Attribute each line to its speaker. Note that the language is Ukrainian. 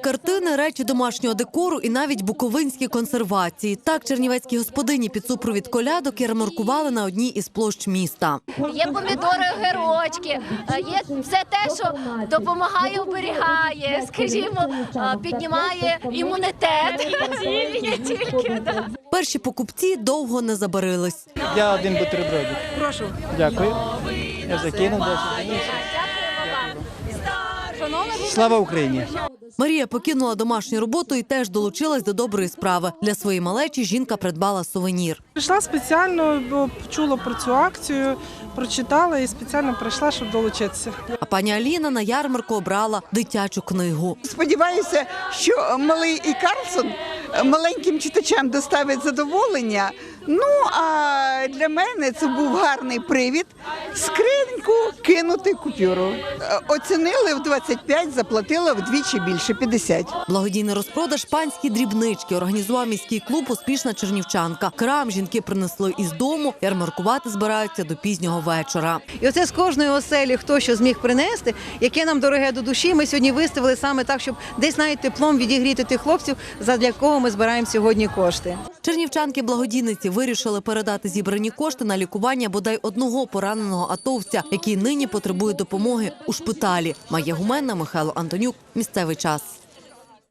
Speaker 1: картини, речі домашнього декору і навіть буковинські консервації. Так чернівецькі господині під супровід колядок ярмаркували на одній із площ міста.
Speaker 2: Є помідори, огірочки, є все те, що допомагає, оберігає, скажімо, піднімає імунітет. Не тільки, да.
Speaker 1: Перші покупці довго не забарились.
Speaker 3: Я один бутербродик.
Speaker 1: Прошу.
Speaker 3: Дякую. Я закинув 10. Слава Україні!
Speaker 1: Марія покинула домашню роботу і теж долучилась до доброї справи. Для своєї малечі жінка придбала сувенір.
Speaker 4: Прийшла спеціально, бо чула про цю акцію, прочитала і спеціально прийшла, щоб долучитися.
Speaker 1: А пані Аліна на ярмарку обрала дитячу книгу.
Speaker 5: Сподіваюся, що малий і Карлсон маленьким читачам доставить задоволення. Ну, а для мене це був гарний привід скриньку кинути купюру. Оцінили в 25, заплатила вдвічі більше, 50.
Speaker 1: Благодійний розпродаж «Панські дрібнички» організував міський клуб «Успішна чернівчанка». Крам жінки принесли із дому, ярмаркувати збираються до пізнього вечора.
Speaker 6: І оце з кожної оселі, хто що зміг принести, яке нам дороге до душі, ми сьогодні виставили саме так, щоб десь навіть теплом відігріти тих хлопців, задля кого ми збираємо сьогодні кошти.
Speaker 1: Чернівчанки-благодійниці вирішили передати зібрані кошти на лікування бодай одного пораненого атовця, який нині потребує допомоги у шпиталі. Майя Гуменна, Михайло Антонюк. Місцевий час.